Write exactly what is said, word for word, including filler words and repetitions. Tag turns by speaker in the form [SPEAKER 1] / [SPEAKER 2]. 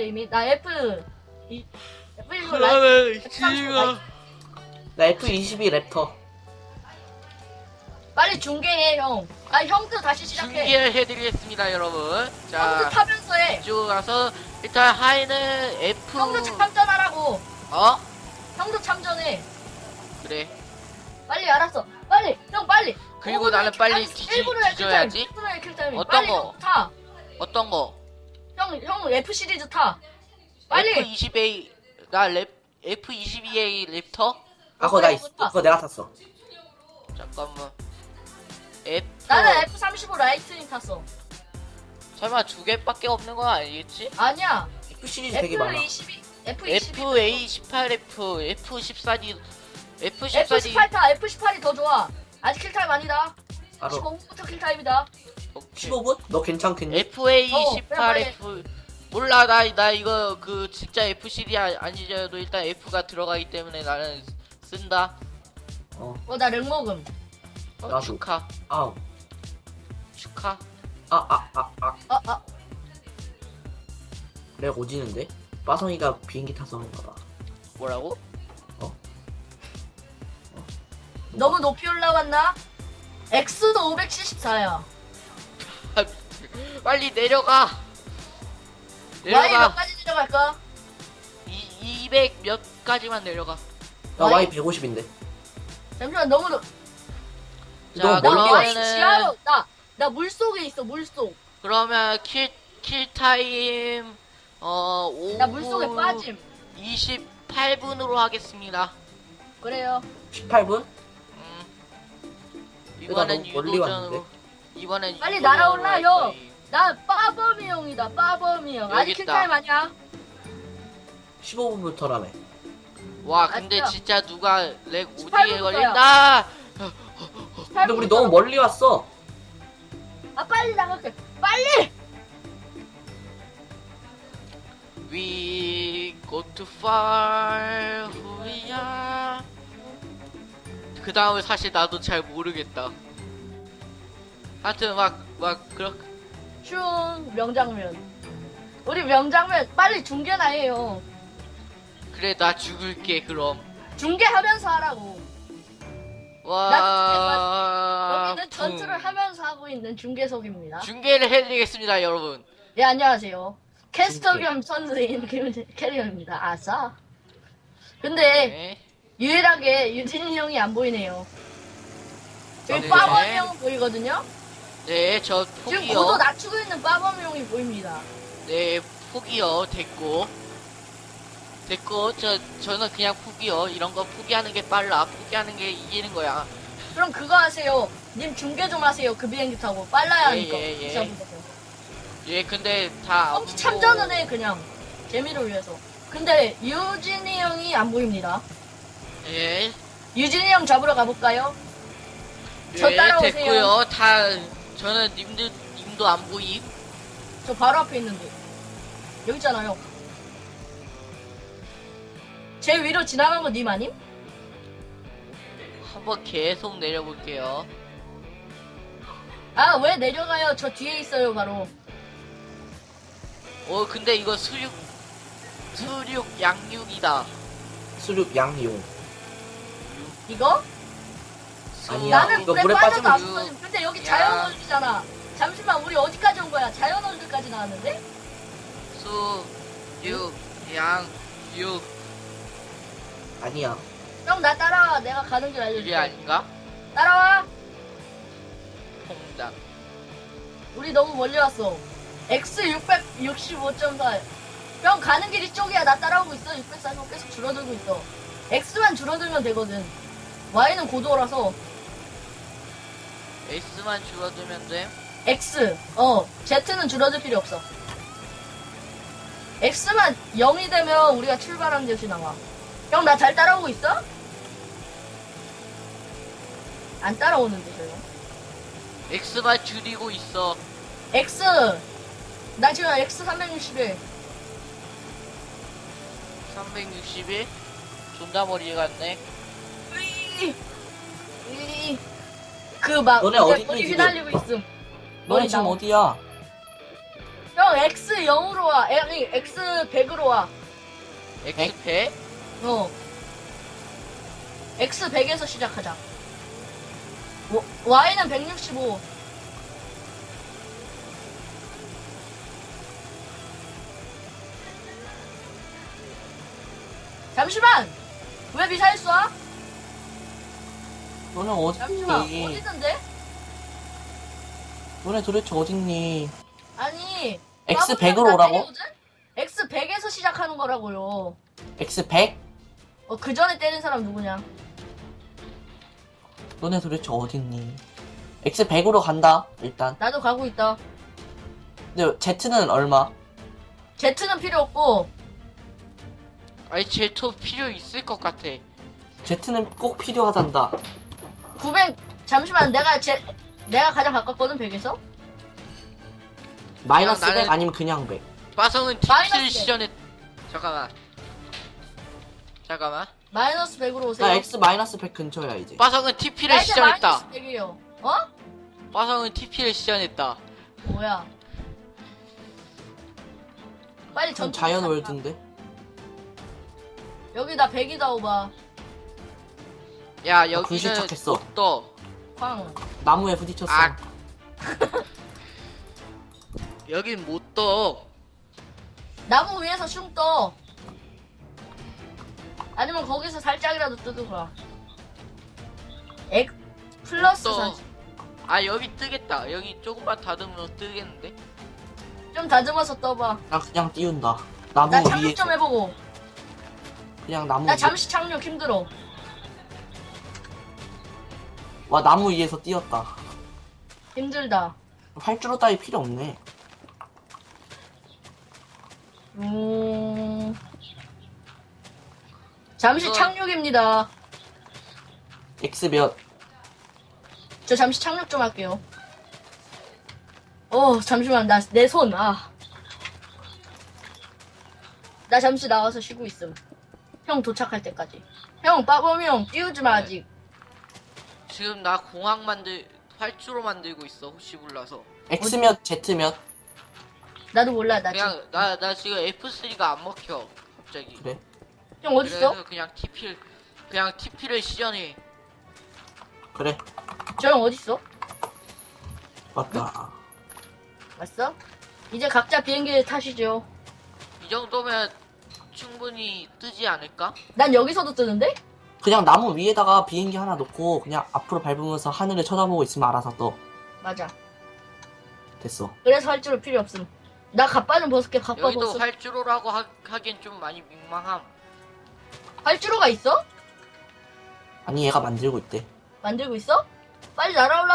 [SPEAKER 1] 게임이? 나 F 이 F 이십오 라이트
[SPEAKER 2] 그러면
[SPEAKER 1] F 삼십오
[SPEAKER 2] 지금
[SPEAKER 1] 라이트.
[SPEAKER 3] 나 에프 이십이 랩터.
[SPEAKER 1] 빨리 중계해 형. 아 형도 다시 시작해.
[SPEAKER 2] 중계를 해드리겠습니다 여러분.
[SPEAKER 1] 형도
[SPEAKER 2] 자
[SPEAKER 1] 타면서 해.
[SPEAKER 2] 이쪽으로 가서 일단 하이는 F
[SPEAKER 1] 형도 참전하라고.
[SPEAKER 2] 어?
[SPEAKER 1] 형도 참전해.
[SPEAKER 2] 그래.
[SPEAKER 1] 빨리 알았어. 빨리 형 빨리.
[SPEAKER 2] 그리고
[SPEAKER 1] 오 분에
[SPEAKER 2] 나는 빨리
[SPEAKER 1] 아니,
[SPEAKER 2] 뒤지-
[SPEAKER 1] 일 분에
[SPEAKER 2] 뒤져야지.
[SPEAKER 1] 일 분에 킬타임.
[SPEAKER 2] 어떤
[SPEAKER 1] 빨리
[SPEAKER 2] 거?
[SPEAKER 1] 형 타.
[SPEAKER 2] 어떤 거?
[SPEAKER 1] 형, 형 F 시리즈 타. 빨리.
[SPEAKER 2] 에프 이십 에이 나 랩 에프 이십이 에이 랩터?
[SPEAKER 3] 아, 그거 나 있어. 그거 내가 탔어.
[SPEAKER 2] 잠깐만. F
[SPEAKER 1] 나는 F 삼십오 라이트닝 탔어.
[SPEAKER 2] 설마 두 개밖에 없는 건 아니겠지?
[SPEAKER 1] 아니야.
[SPEAKER 3] 에프 시리즈 되게 많아.
[SPEAKER 1] F 이십이 F 이십이
[SPEAKER 2] 에프 에이 십팔 에프 F 십사 디 F 십사
[SPEAKER 1] F
[SPEAKER 2] 디
[SPEAKER 1] 십팔 타. F 십팔이 더 좋아. 아직 킬타임 아니다.
[SPEAKER 3] 바로
[SPEAKER 1] 십오 분부터 킬타임이다.
[SPEAKER 3] 십오 분? 너 괜찮겠니?
[SPEAKER 2] 에프 에이
[SPEAKER 1] 어,
[SPEAKER 2] 십팔
[SPEAKER 1] 빨리.
[SPEAKER 2] 에프 몰라 나 나 이거 그 진짜 F 시리 아니더라도 일단 F가 들어가기 때문에 나는 쓴다.
[SPEAKER 3] 어,
[SPEAKER 1] 어, 나 렉 먹음.
[SPEAKER 2] 어,
[SPEAKER 3] 나도.
[SPEAKER 2] 축하
[SPEAKER 3] 아우.
[SPEAKER 2] 축하.
[SPEAKER 3] 아, 아, 아, 아.
[SPEAKER 1] 아, 아.
[SPEAKER 3] 렉 오지는데? 빠성이가 비행기 타서 그런가 봐.
[SPEAKER 2] 뭐라고?
[SPEAKER 1] 너무 높이 올라갔나? X도 오백칠십사야.
[SPEAKER 2] 빨리 내려가.
[SPEAKER 1] Y 몇
[SPEAKER 2] 내려가.
[SPEAKER 1] 가지 내려갈까?
[SPEAKER 2] 이 이백 몇 가지만 내려가.
[SPEAKER 3] 나
[SPEAKER 1] 와이-
[SPEAKER 3] 와이 백오십인데.
[SPEAKER 1] 잠시만 너무 높.
[SPEAKER 2] 자
[SPEAKER 3] 너무
[SPEAKER 1] 나
[SPEAKER 3] 멀리
[SPEAKER 1] Y
[SPEAKER 2] 그러면은
[SPEAKER 1] 지하로 나 나 물속에 있어 물속.
[SPEAKER 2] 그러면 킬 킬 타임 어 오후
[SPEAKER 1] 나 물속에 빠짐.
[SPEAKER 2] 이십팔 분으로 하겠습니다.
[SPEAKER 1] 그래요.
[SPEAKER 3] 십팔 분?
[SPEAKER 2] 음.
[SPEAKER 3] 나
[SPEAKER 2] 이번엔
[SPEAKER 3] 너무 멀리
[SPEAKER 2] 유도전으로
[SPEAKER 3] 왔는데?
[SPEAKER 2] 이번엔
[SPEAKER 1] 빨리
[SPEAKER 2] 유도전으로
[SPEAKER 1] 날아올라,
[SPEAKER 2] 할
[SPEAKER 1] 형.
[SPEAKER 2] 거임.
[SPEAKER 1] 나 빠범이 형이다 빠범이 형.
[SPEAKER 2] 여기
[SPEAKER 1] 아직
[SPEAKER 2] 있다.
[SPEAKER 1] 킬타임 아니야?
[SPEAKER 3] 십오 분부터라며.
[SPEAKER 2] 와 근데
[SPEAKER 1] 아싸.
[SPEAKER 2] 진짜 누가 렉
[SPEAKER 1] 십팔
[SPEAKER 2] 오지게
[SPEAKER 1] 분부터야.
[SPEAKER 2] 걸린다.
[SPEAKER 3] 근데 우리 너무 멀리 왔어.
[SPEAKER 1] 아 빨리 나갈게. 빨리.
[SPEAKER 2] We go too far who we are. 그 다음을 사실 나도 잘 모르겠다. 하여튼 막 막 그렇게
[SPEAKER 1] 슝 명장면. 우리 명장면 빨리 중계나 해요.
[SPEAKER 2] 그래 나 죽을게 그럼.
[SPEAKER 1] 중계하면서 하라고.
[SPEAKER 2] 와
[SPEAKER 1] 여기는 전투를 하면서 하고 있는 중계석입니다.
[SPEAKER 2] 중계를 해드리겠습니다 여러분.
[SPEAKER 1] 네 안녕하세요. 캐스터
[SPEAKER 3] 중계.
[SPEAKER 1] 겸 선수인 캐리어입니다. 아싸. 근데
[SPEAKER 2] 네.
[SPEAKER 1] 유일하게 유진이 형이 안 보이네요. 저기
[SPEAKER 2] 네.
[SPEAKER 1] 빠범이 형 보이거든요.
[SPEAKER 2] 네, 저
[SPEAKER 1] 지금
[SPEAKER 2] 포기요.
[SPEAKER 1] 고도 낮추고 있는 빠범이 형이 보입니다.
[SPEAKER 2] 네, 포기요. 됐고. 됐고, 저, 저는 그냥 포기요. 이런 거 포기하는 게 빨라. 포기하는 게 이기는 거야.
[SPEAKER 1] 그럼 그거 하세요. 님 중계 좀 하세요. 그 비행기 타고 빨라야
[SPEAKER 2] 예,
[SPEAKER 1] 하니까.
[SPEAKER 2] 예, 예.
[SPEAKER 1] 기사분들도.
[SPEAKER 2] 예, 근데 다.
[SPEAKER 1] 어, 참전은 해 그냥 재미를 위해서. 근데 유진이 형이 안 보입니다.
[SPEAKER 2] 예.
[SPEAKER 1] 유진이 형 잡으러 가볼까요? 저
[SPEAKER 2] 예,
[SPEAKER 1] 따라오세요.
[SPEAKER 2] 됐고요. 다, 저는 님들, 님도 안 보임.
[SPEAKER 1] 저 바로 앞에 있는데. 여기 있잖아요. 제 위로 지나간 거 님 아님?
[SPEAKER 2] 한번 계속 내려볼게요.
[SPEAKER 1] 아 왜 내려가요? 저 뒤에 있어요 바로.
[SPEAKER 2] 어, 근데 이거 수육, 수육 양육이다.
[SPEAKER 3] 수륙 양용.
[SPEAKER 1] 이거?
[SPEAKER 3] 아니야.
[SPEAKER 1] 나는
[SPEAKER 3] 이거
[SPEAKER 1] 물에
[SPEAKER 3] 물에
[SPEAKER 1] 빠져도 안
[SPEAKER 2] 빠지면
[SPEAKER 1] 빠짐. 근데 여기
[SPEAKER 2] 야.
[SPEAKER 1] 자연월드잖아. 잠시만 우리 어디까지 온 거야? 자연월드까지 나왔는데?
[SPEAKER 2] 수육, 양육.
[SPEAKER 3] 아니야.
[SPEAKER 1] 형 나 따라와. 내가 가는 길
[SPEAKER 2] 이게
[SPEAKER 1] 알려줄게.
[SPEAKER 2] 아닌가?
[SPEAKER 1] 따라와.
[SPEAKER 2] 통장.
[SPEAKER 1] 우리 너무 멀리 왔어. X 육백육십오 점 사. 형 가는 길이 쪽이야. 나 따라오고 있어. 육백사십오 계속 줄어들고 있어. X만 줄어들면 되거든. Y는 고도라서.
[SPEAKER 2] S만 줄어들면 돼.
[SPEAKER 1] X. 어. Z는 줄어들 필요 없어. X만 영이 되면 우리가 출발한 곳이 나와. 형 나 잘 따라오고 있어? 안 따라오는데 저 형.
[SPEAKER 2] X만 줄이고 있어.
[SPEAKER 1] X. 나 지금 X 삼백육십일.
[SPEAKER 2] 삼백육십일. 존나 머리 같네.
[SPEAKER 1] 그 막
[SPEAKER 3] 너네 어디 있니,
[SPEAKER 1] 머리
[SPEAKER 3] 지금?
[SPEAKER 1] 휘날리고 있음.
[SPEAKER 3] 너네
[SPEAKER 1] 머리
[SPEAKER 3] 지금
[SPEAKER 1] 나와.
[SPEAKER 3] 어디야?
[SPEAKER 1] 형 X 영으로 와. 아니 X 백으로 와.
[SPEAKER 2] X 백?
[SPEAKER 1] 어. X 백에서 시작하자. 워- Y는 백육십오. 잠시만! 왜 미사일 쏴?
[SPEAKER 4] 너네 어디
[SPEAKER 1] 잠시만,
[SPEAKER 4] 있니?
[SPEAKER 1] 어디던데?
[SPEAKER 4] 너네 도대체 어딨니?
[SPEAKER 1] 아니.
[SPEAKER 4] X
[SPEAKER 1] 까부면
[SPEAKER 4] 백으로
[SPEAKER 1] 나
[SPEAKER 4] 오라고?
[SPEAKER 1] 때리거든? X 백에서 시작하는 거라고요.
[SPEAKER 4] 엑스 백?
[SPEAKER 1] 어, 그 전에 때린 사람 누구냐?
[SPEAKER 4] 너네 도대체 어딨니? 엑스 백으로 간다 일단.
[SPEAKER 1] 나도 가고 있다.
[SPEAKER 4] 근데 Z는 얼마?
[SPEAKER 1] Z는 필요 없고,
[SPEAKER 2] 아니 제토 필요 있을 것 같아.
[SPEAKER 4] Z는 꼭 필요하단다.
[SPEAKER 1] 구백, 잠시만, 내가 제, 내가 가장 가깝거든, 백에서?
[SPEAKER 4] 마이너스
[SPEAKER 2] 나는-
[SPEAKER 4] 백 아니면 그냥 백.
[SPEAKER 2] 빠성은
[SPEAKER 1] 마이너스
[SPEAKER 2] 티피를
[SPEAKER 1] 백.
[SPEAKER 2] 시전했. 잠깐만. 잠깐만.
[SPEAKER 1] 마이너스 백으로 오세요.
[SPEAKER 4] 나 X 마이너스 백 근처야 이제.
[SPEAKER 2] 빠성은
[SPEAKER 1] 나
[SPEAKER 2] 티피를
[SPEAKER 1] 이제
[SPEAKER 2] 시전했다.
[SPEAKER 1] 마이너스 백이에요. 어?
[SPEAKER 2] 빠성은 티피를 시전했다.
[SPEAKER 1] 뭐야? 빨리
[SPEAKER 4] 전
[SPEAKER 1] 전투
[SPEAKER 4] 자연
[SPEAKER 1] 시작하자.
[SPEAKER 4] 월드인데.
[SPEAKER 1] 여기 나 백이다 오바.
[SPEAKER 2] 야
[SPEAKER 4] 나 글씨
[SPEAKER 2] 여기는
[SPEAKER 4] 착했어.
[SPEAKER 2] 못 떠.
[SPEAKER 1] 광.
[SPEAKER 4] 나무에 부딪혔어.
[SPEAKER 2] 아. 여긴 못 떠.
[SPEAKER 1] 나무 위에서 슝 떠. 아니면 거기서 살짝이라도 뜨든가. 액 플러스
[SPEAKER 2] 떠.
[SPEAKER 1] 사십.
[SPEAKER 2] 아 여기 뜨겠다. 여기 조금만 다듬으면 뜨겠는데?
[SPEAKER 1] 좀 다듬어서 떠봐.
[SPEAKER 4] 나 그냥 띄운다. 나무
[SPEAKER 1] 나
[SPEAKER 4] 위에
[SPEAKER 1] 착륙 좀 해보고.
[SPEAKER 4] 그냥 나무
[SPEAKER 1] 나
[SPEAKER 4] 위에.
[SPEAKER 1] 잠시 착륙 힘들어.
[SPEAKER 4] 와 나무 위에서 띄었다.
[SPEAKER 1] 힘들다.
[SPEAKER 4] 활주로 따위 필요 없네.
[SPEAKER 1] 음... 잠시
[SPEAKER 2] 이거-
[SPEAKER 1] 착륙입니다.
[SPEAKER 4] X 몇?
[SPEAKER 1] 저 잠시 착륙 좀 할게요. 어, 잠시만, 나, 내 손, 아. 나 잠시 나와서 쉬고 있음. 형 도착할 때까지. 형, 빠범이 형, 띄우지 마,
[SPEAKER 2] 네.
[SPEAKER 1] 아직.
[SPEAKER 2] 지금 나 공항 만들 활주로 만들고 있어. 혹시 몰라서.
[SPEAKER 4] X 몇? Z 몇?
[SPEAKER 1] 나도 몰라, 나 지금.
[SPEAKER 2] 그냥 나 나 지금 에프 쓰리가 안 먹혀. 갑자기.
[SPEAKER 4] 그래?
[SPEAKER 1] 형, 어딨어?
[SPEAKER 2] 그래서 그냥 티피를 그냥 티피를 시전해.
[SPEAKER 4] 그래.
[SPEAKER 1] 저 형 어딨어?
[SPEAKER 4] 맞다.
[SPEAKER 1] 왔어? 이제 각자 비행기를 타시죠.
[SPEAKER 2] 이 정도면 충분히 뜨지 않을까?
[SPEAKER 1] 난 여기서도 뜨는데?
[SPEAKER 4] 그냥 나무 위에다가 비행기 하나 놓고 그냥 앞으로 밟으면서 하늘을 쳐다보고 있으면 알아서 떠.
[SPEAKER 1] 맞아.
[SPEAKER 4] 됐어.
[SPEAKER 1] 그래서 활주로 필요 없음. 나 갑바는 벗을게, 갑바
[SPEAKER 2] 여기도
[SPEAKER 1] 벗어.
[SPEAKER 2] 활주로라고 하, 하기엔 좀 많이 민망함.
[SPEAKER 1] 활주로가 있어?
[SPEAKER 4] 아니 얘가 만들고 있대.
[SPEAKER 1] 만들고 있어? 빨리 날아올라.